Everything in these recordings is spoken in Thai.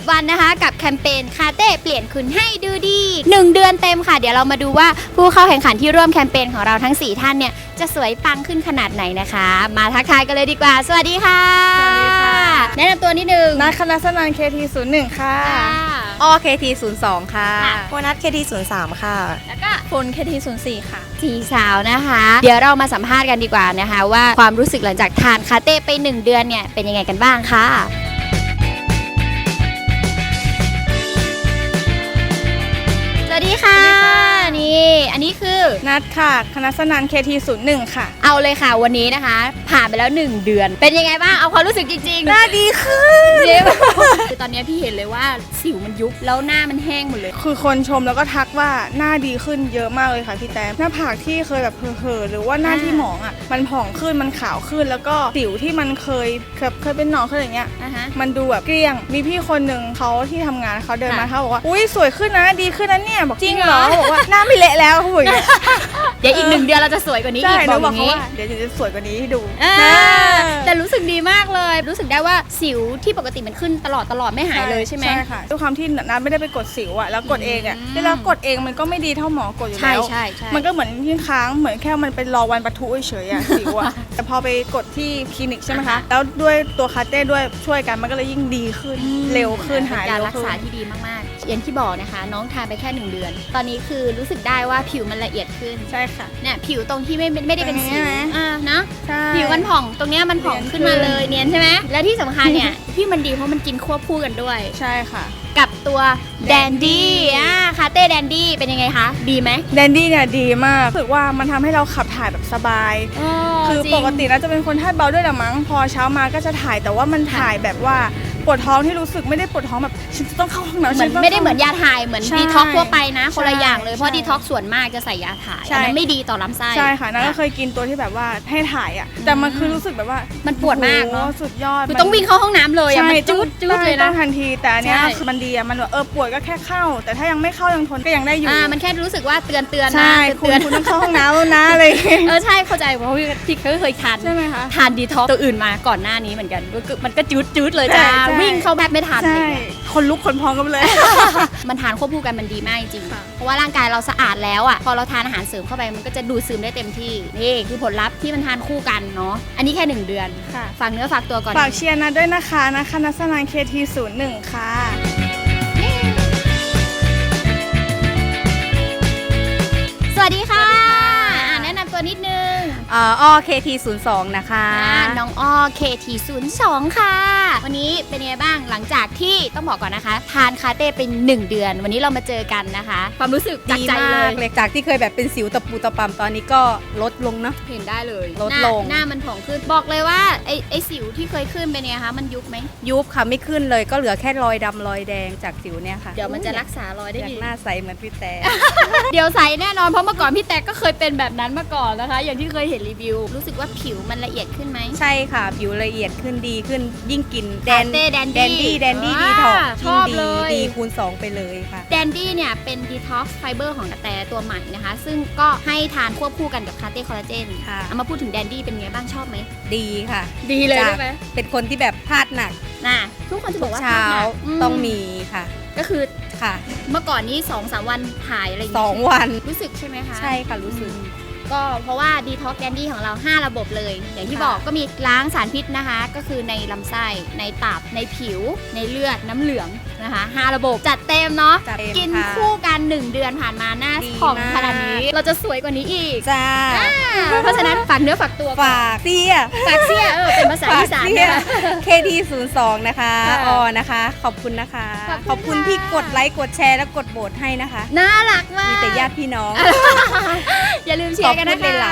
10 วันนะคะกับแคมเปญคาเต้เปลี่ยนคุณให้ดูดี1 เดือนเต็มค่ะเดี๋ยวเรามาดูว่าผู้เข้าแข่งขันที่ร่วมแคมเปญของเราทั้ง4ท่านเนี่ยจะสวยปังขึ้นขนาดไหนนะคะมาทักทายกันเลยดีกว่าสวัสดีค่ะสวัสดีค่ะแนะนำตัวนิดนึงนัทคณะสนัน KT01 ค่ะอ้อ KT02 ค่ะโบนัส KT03 ค่ะแล้วก็พล KT04 ค่ะสี่สาวนะคะเดี๋ยวเรามาสัมภาษณ์กันดีกว่านะคะว่าความรู้สึกหลังจากทานคาเต้ไป1 เดือนเนี่ยเป็นยังไงกันบ้างค่ะสวัสดีค่ะนี่อันนี้คือนัทค่ะคณะสนัน KT01 ค่ะเอาเลยค่ะวันนี้นะคะผ่านไปแล้ว1 เดือนเป็นยังไงบ้างเอาความรู้สึกจริงๆหน้าดีขึ้นคือตอนนี้พี่เห็นเลยว่าสิวมันยุบแล้วหน้ามันแห้งหมดเลยคือคนชมแล้วก็ทักว่าหน้าดีขึ้นเยอะมากเลยค่ะพี่แต้มหน้าผากที่เคยแบบเห่อๆหรือว่าหน้าที่หมองอ่ะมันผ่องขึ้นมันขาวขึ้นแล้วก็สิวที่มันเคยเป็นหนองเคยอย่างเงี้ยมันดูแบบเกลี้ยงมีพี่คนหนึ่งเขาที่ทำงานเขาเดินมาเขาบอกว่าอุ้ยสวยขึ้นนะดีขึ้นนะเนี่ยบอกจริงเหรอบอกว่าหน้าไม่เละแล้วเขาบอกอย่างเงี้ยเดี๋ยวอีก1 เดือนเราจะสวยกว่านี้อีกบอกอย่างนี้เดี๋ยวจะสวยกว่านี้ให้ดูแต่รู้สึกดีมากเลยรู้สึกได้ว่าสิวที่ปกติมันขึ้นตลอดไม่หายเลยใช่ไหมใช่ค่ะด้วยความที่นัทไม่ได้ไปกดสิวอะแล้วกดเองอะเวลากดเองมันก็ไม่ดีเท่าหมอกดอยู่แล้วใช่มันก็เหมือนที่ค้างเหมือนแค่มันเป็นรอวันปะทุเฉยอะสิวอะแต่พอไปกดที่คลินิกใช่ไหมคะแล้วด้วยตัวคาเต้ด้วยช่วยกันมันก็เลยยิ่งดีขึ้นเร็วขึ้นหายเร็วขึ้นการรักษาที่ดีมากๆอย่างที่บอกนะคะน้องทานไปแค่1 เดือนตอนนี้คือรู้สึกได้ว่าผิวมันละเอียดขึ้นใช่ค่ะเนี่ยผิวตรงที่ไม่ได้เป็นสิวเนาะใช่ผิวมันผ่องตรงเนี้ยมันผ่องขึ้นมาเลยเนียนใช่ไหมและที่สำคัญเนี่ยที่มันดีเพราะมันกินควบคู่กันด้วยใช่ค่ะกับตัวแดนดี้คาเต้แดนดี้เป็นยังไงคะดีไหมแดนดี้เนี่ยดีมากรู้สึกว่ามันทำให้เราขับถ่ายแบบสบายคือปกติแล้วจะเป็นคนธาตุเบาด้วยละมั้งพอเช้ามาก็จะถ่ายแต่ว่ามันถ่ายแบบว่าปวดท้องที่รู้สึกไม่ได้ปวดท้องแบบฉันจะต้องเข้าห้องน้ำเหมือนไม่ได้เหมือนยาถ่ายเหมือนดีท็อกทั่วไปนะคนละอย่างเลยเพราะดีท็อกส่วนมากจะใส่ยาถ่ายอันนั้นไม่ดีต่อลำไส้ใช่ค่ะนั่นก็เคยกินตัวที่แบบว่าให้ถ่ายอ่ะแต่มันคือรู้สึกแบบว่ามันปวดมากเนาะสุดยอดคือต้องวิ่งเข้าห้องน้ำเลยอ่ะมันจุดเลยนะทันทีแต่อันเนี้ยคือมันดีอ่ะมันแบบปวดก็แค่เข้าแต่ถ้ายังไม่เข้ายังทนก็ยังได้อยู่มันแค่รู้สึกว่าเตือนนะใช่คุณต้องเข้าห้องน้ำแล้วนะอะไรใช่เข้าใจเพราะพี่เคยทานใช่ไหมคะทานดีท็อกตัวอื่นมาก่อนหน้านี้เหมือนกันมันก็จุดเลยจ้าวิ่งเข้าแบบไม่ทันคนลุกคนพองกันเลยมันทานควบคู่กันมันดีมากจริงเพราะว่าร่างกายเราสะอาดแล้วอ่ะพอเราทานอาหารเสริมเข้าไปมันก็จะดูดซึมได้เต็มที่นี่คือผลลัพธ์ที่มันทานคู่กันเนาะอันนี้แค่1 เดือนฝากเนื้อฝากตัวก่อนฝากเชียร์นะด้วยนะคะนะคณะสนัน KT01 ค่ะสวัสดีค่ะแนะนำตัวนิดนึงอ้อ KT02 นะคะน้องอ้อ KT02 ค่ะวันนี้เป็นยังไงบ้างหลังจากที่ต้องบอกก่อนนะคะทานคาเต้เป็น1 เดือนวันนี้เรามาเจอกันนะคะความรู้สึกจากใจเลยจากที่เคยแบบเป็นสิวตะปูตะปำตอนนี้ก็ลดลงเนาะเห็นได้เลยลดลงหน้ามันผ่องขึ้นบอกเลยว่าไอสิวที่เคยขึ้นเป็นไงคะมันยุบไหมยุบค่ะไม่ขึ้นเลยก็เหลือแค่รอยดำรอยแดงจากสิวเนี่ยค่ะเดี๋ยวมันจะรักษารอยได้ดีหน้าใสเหมือนพี่แต่เดี๋ยวใสแน่นอนเพราะเมื่อก่อนพี่แต่ก็เคยเป็นแบบนั้นมาก่อนนะคะอย่างที่เคยเห็นรีวิวรู้สึกว่าผิวมันละเอียดขึ้นไหมใช่ค่ะผิวละเอียดขึ้นดีขึ้นยิ่งกินแดนดี้ดีท็อกชอบเลยดีคูณ2ไปเลยค่ะแดนดี้เนี่ยเป็นดีท็อกซ์ไฟเบอร์ของกระแตตัวใหม่นะคะซึ่งก็ให้ทานควบคู่กันกับคาเต้คอลลาเจนเอามาพูดถึงแดนดี้เป็นไงบ้างชอบไหมดีค่ะดีเลยใช่ไหมเป็นคนที่แบบพลาดหนักทุกคนจะบอกว่าเช้าต้องมีค่ะก็คือค่ะเมื่อก่อนนี้ 2-3 วันถ่ายอะไรอย่างเงี้ย2 วันรู้สึกใช่ไหมคะใช่ค่ะรู้สึกก็เพราะว่าดีท็อกแดนดี้ของเรา5 ระบบเลยอย่างที่บอกก็มีล้างสารพิษนะคะก็คือในลำไส้ในตับในผิวในเลือดน้ำเหลืองนะคะ5 ระบบจัดเต็มเนาะกินคู่กัน1 เดือนผ่านมาหน้าผ่องขนาดนี้เราจะสวยกว่านี้อีกจ้าเพราะฉะนั้นฝากเนื้อฝากตัวฝากเสียเป็นภาษาอีสานนะคะ KT02 นะคะนะคะขอบคุณนะคะขอบคุณที่กดไลค์กดแชร์และกดโหวตให้นะคะน่ารักมากมีแต่ญาติพี่น้องอย่าลืมเชียร์กันนะคะ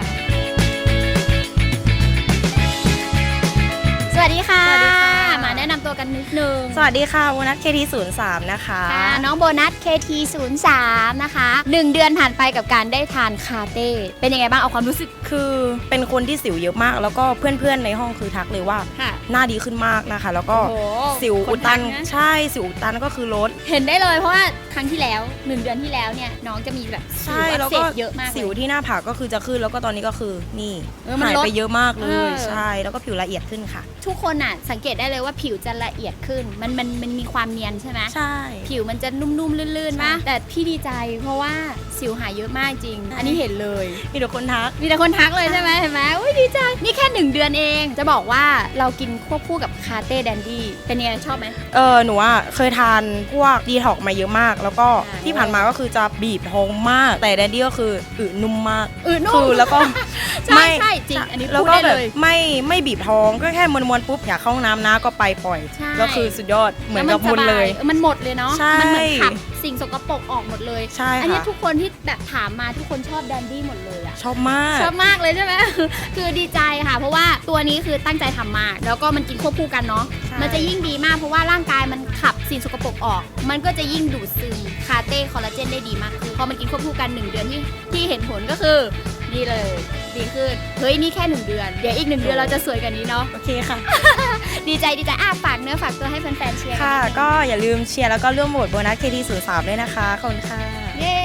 สวัสดีค่ะมาแนะนำตัวกันนิดนึงสวัสดีค่ะโบนัส KT03 นะคะน้องโบนัส KT03 นะคะ1 เดือนผ่านไปกับการได้ทานคาเต้เป็นยังไงบ้างเอาความรู้สึกคือเป็นคนที่สิวเยอะมากแล้วก็เพื่อนๆในห้องคือทักเลยว่าหน้าดีขึ้นมากนะคะแล้วก็สิวอุดตันใช่สิวอุดตันก็คือลดเห็นได้เลยเพราะว่าครั้งที่แล้ว1 เดือนที่แล้วเนี่ยน้องจะมีแบบสิวอักเสบเยอะมากสิวที่หน้าผากก็คือจะขึ้นแล้วก็ตอนนี้ก็คือนี่หายไปเยอะมากเลยใช่แล้วก็ผิวละเอียดขึ้นค่ะทุกคนน่ะสังเกตได้เลยว่าผิวจะละเอียดขึ้นมันมีความเนียนใช่ไหมใช่ผิวมันจะนุ่มๆลื่นๆมากแต่พี่ดีใจเพราะว่าสิวหายเยอะมากจริง อันนี้เห็นเลยมีแต่คนทักมีแต่คนทักเลยใช่ไหมเห็นไหมอุ้ยดีใจนี่แค่1 เดือนเองจะบอกว่าเรากินควบคู่กับคาเต้แดนดี้เป็นยังไงชอบไหมหนูว่าเคยทานพวกดีท็อกมาเยอะมาก แล้วก็ใช่ที่ผ่านมาก็คือจะบีบท้องมาก แต่แดนดี้ก็คือนุ่มมากนุ่คืมแล้วก็ใช่ใช่จริงอันนี้แล้วพูดก็ได้แบเลบยไม่บีบท้องก็แค่มวนๆปุ๊บอยากเข้าห้องน้ำนะก็ไปปล่อยใช่แล้วคือสุดยอดเหมือนกับแวมุนเลยสบามันหมดเลยเนาะใช่มันเหมือนขับสิ่งสกปรกออกหมดเลยใช่อันนี้ค่ะทุกคนที่แบบถามมาทุกคนชอบแดนดี้หมดเลยอะชอบมากชอบมากเลยใช่ไหม คือดีใจค่ะ เพราะว่าตัวนี้คือตั้งใจทำมาก แล้วก็มันกินควบคู่กันเนาะใช่มันจะยิ่งดีมากเพราะว่าร่างกายมันขับสิ่งสกปรกออก มันก็จะยิ่งดูดซึมคาเต้คอลลาเจนได้ดีมากคือพอมันกินควบคู่กัน1 เดือนที่เห็นผลก็คือดีเลยดีขึ้นเฮ้ยนี่แค่1 เดือนเดี๋ยวอีก1 เดือนเราจะสวยกว่านี้เนาะโอเคค่ะดีใจฝากเนื้อฝากตัวให้แฟนๆเชียร์ค่ะกันนิดนึงก็อย่าลืมเชียร์แล้วก็ร่วมโหวตโบนัส KT03 ด้วยนะคะ ขอบคุณค่ะเย้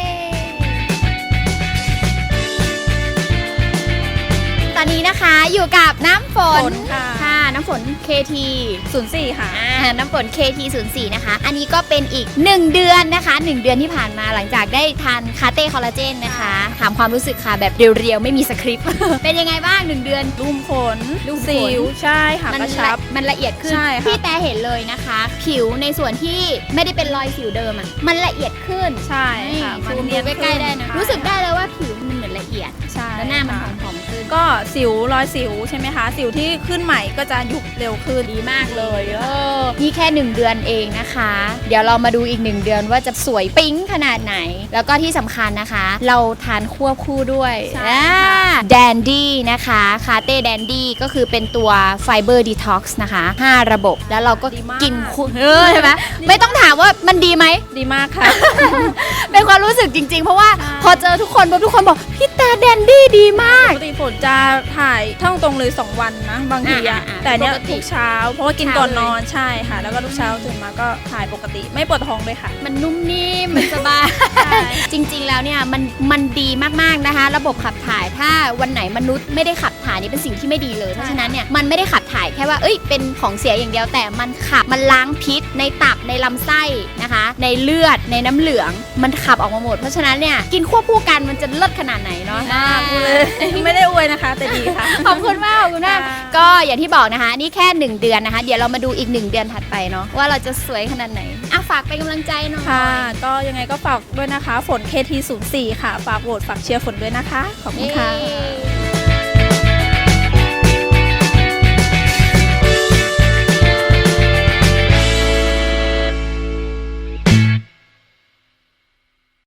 ตอนนี้นะคะอยู่กับน้ำฝนฝนค่ะน้ำฝน KT 04 ค่ะน้ำฝน KT04 นะคะ อันนี้ก็เป็นอีก1 เดือนนะคะ1 เดือนที่ผ่านมาหลังจากได้ทานคาเต้คอลลาเจนนะคะ ถามความรู้สึกค่ะแบบเรียวๆ ไม่มีสคริปต์ เป็นยังไงบ้าง1 เดือนลุ่มขนลุ่มขนสิวใช่ค่ะมักระชับมันละเอียดขึ้นใช่ค่ะพี่แต่เห็นเลยนะคะ ผิวในส่วนที่ไม่ได้เป็นรอยสิวเดิมอ่ะมันละเอียดขึ้นใช่ค่ะซูมเนีดูยนใกล้ๆได้นะขึ้รู้สึกได้เลยว่าผิวมันเหมือนละเอียดใช่แล้วหน้ามันค่ะผอมๆขึ้นก็สิวรอยสิวใช่ไหมคะ สิวที่ขึ้นใหม่ก็จะยุบเร็วขึ้นดีมากเลยนี่แค่1 เดือนเองนะคะ เดี๋ยวเรามาดูอีก1 เดือนว่าจะสวยปิ๊งขนาดไหน แล้วก็ที่สำคัญนะคะ เราทานควบคู่ด้วยใช่ค่ะแดนดี้นะคะคาเต้แดนดี้ก็คือเป็นตัวไฟเบอร์ดีท็อกซ์นะคะ5 ระบบแล้วเราก็ดีมากกินคู่ใช่ไหมไม่ต้องถามว่ามันดีไหมดีมากค่ะเป็นความรู้สึกจริงๆ เพราะว่าใช่พอเจอทุกคนปุ๊บทุกคนบอกพี่แต่แดนดี้ดีมากปกติฝนจะถ่ายท่องตรงเลย2 วันนะ บางทีอะอ่าแต่เนี้ยปกติทุกเช้า เพราะว่ากินก่อนเช้าเลยนอนใช่ค่ะ แล้วก็ทุกเช้าตื่นมาก็ถ่ายปกติไม่ปวดท้องเลยค่ะมันนุ่มนิ่มมันสบาย จริงๆ แล้วเนี่ยมันดีมากๆนะคะ ระบบขับถ่ายถ้าวันไหนมนุษย์ไม่ได้ขับถ่ายนี่เป็นสิ่งที่ไม่ดีเลย เพราะฉะนั้นเนี่ยมันไม่ได้ขับถ่ายแค่ว่าเป็นของเสียอย่างเดียวแต่มันขับมันล้างพิษในตับในลำไส้นะคะ ในเลือดในน้ำเหลืองมันขับออกมาหมด เพราะฉะนั้นเนี่ยกินควบคู่กันมันจะเลิศขนาดไหนเนาะพูดเลย ไม่ได้อวยนะคะ แต่ดีค่ะขอบคุณมากขอบคุณมากค่ะก็อย่างที่บอกนะคะ นี่แค่1 เดือนนะคะ เดี๋ยวเรามาดูอีก1 เดือนถัดไปเนาะว่าเราจะสวยขนาดไหนฝากเป็นกำลังใจหน่อยค่ะ ก็ยังไงก็ฝากด้วยนะคะ ฝน KT04 ค่ะ ฝากโหวตฝากเชียร์ฝนด้วยนะคะ ขอบคุณค่ะเย้